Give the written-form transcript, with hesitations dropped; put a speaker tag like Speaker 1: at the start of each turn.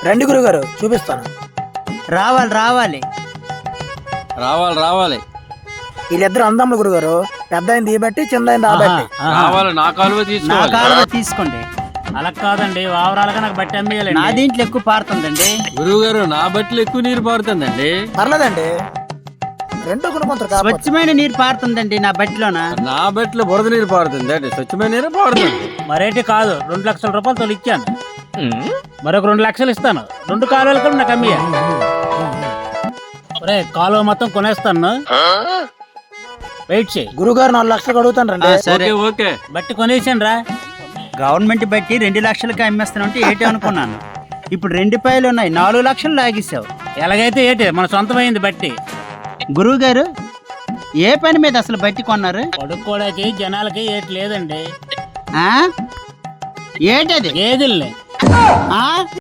Speaker 1: రండి గురుగారు చూపిస్తాను.
Speaker 2: రావాలి రావాలి
Speaker 3: రావాలి రావాలి
Speaker 1: వీళ్ళిద్దరు అందమ్ములు గురుగారు. పెద్ద అయింది ఈ బట్టి, చిన్న అయింది ఆ బట్టి.
Speaker 3: రావాలి, నా కాలువ
Speaker 2: నా
Speaker 3: తీసుకోవాలి.
Speaker 2: కాలువ తీసుకోండి.
Speaker 4: అలా కాదండి, ఓవరాల్గా నాకు బట్టి
Speaker 2: నా
Speaker 4: అమ్మేయాలండి.
Speaker 2: దీంట్లో ఎక్కువ పారుతుందండి.
Speaker 3: గురువు గారు, నా బట్టలు ఎక్కువ నీరు పారుతుందండి.
Speaker 1: పర్లేదండి, రెండు కొనుక్కుంటారు కాబట్టి.
Speaker 2: స్వచ్ఛమైన నీరు పారుతుందండి నా బట్టిలోన.
Speaker 3: నా బట్టలు బురద నీరు పారుతుంది, స్వచ్ఛమైన నీరే పారుతుంది.
Speaker 4: మరేటి కాదు, 2 లక్షల రూపాయలు తోలు ఇచ్చాను, మరొక 2 లక్షలు ఇస్తాను. 2 కాలువలు కూడా నాకు అమ్మేయ. ఒరే, కాలువ మొత్తం కొనేస్తాను, వెయిట్ చేయి.
Speaker 1: గురుగారు 4 లక్షలకు అడుగుతాను రండి.
Speaker 2: సరే,
Speaker 3: ఓకే ఓకే.
Speaker 4: బట్టి కొనేసాను రా.
Speaker 2: గవర్నమెంట్ బట్టి 2 లక్షలకి అమ్మేస్తానంటే ఏటి అనుకున్నాను. ఇప్పుడు 2 పాయలు ఉన్నాయి, 4 లక్షలు లాగేశావు.
Speaker 4: ఎలాగైతే ఏటి, మన సొంతమైంది బట్టి.
Speaker 2: గురువు గారు, ఏ పని మీద అసలు బట్టి కొన్నారు?
Speaker 4: పడుకోవడానికి జనాలకి ఏటి లేదండి,
Speaker 2: ఆ? ఏంటది?
Speaker 4: గేదెల్ని.
Speaker 2: ఆ?